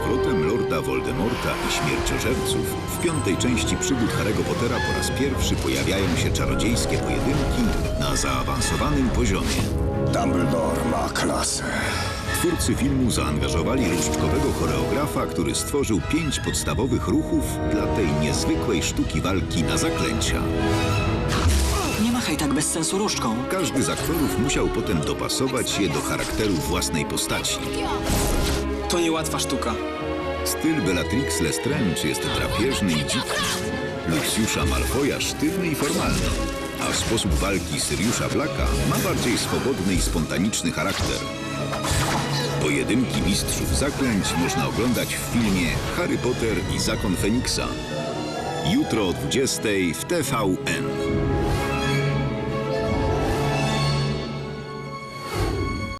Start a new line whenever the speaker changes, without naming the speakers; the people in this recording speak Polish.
powrotem Lorda Voldemorta i Śmierciożerców w piątej części przygód Harry'ego Pottera po raz pierwszy pojawiają się czarodziejskie pojedynki na zaawansowanym poziomie.
Dumbledore ma klasę.
Twórcy filmu zaangażowali różdżkowego choreografa, który stworzył 5 podstawowych ruchów dla tej niezwykłej sztuki walki na zaklęcia.
Nie machaj tak bez sensu różdżką.
Każdy z aktorów musiał potem dopasować je do charakteru własnej postaci.
To niełatwa sztuka.
Styl Bellatrix Lestrange jest drapieżny i dziki. Luciusza Malfoya sztywny i formalny, a sposób walki Siriusza Blacka ma bardziej swobodny i spontaniczny charakter. Pojedynki mistrzów zaklęć można oglądać w filmie Harry Potter i Zakon Feniksa. Jutro o 20:00 w TVN.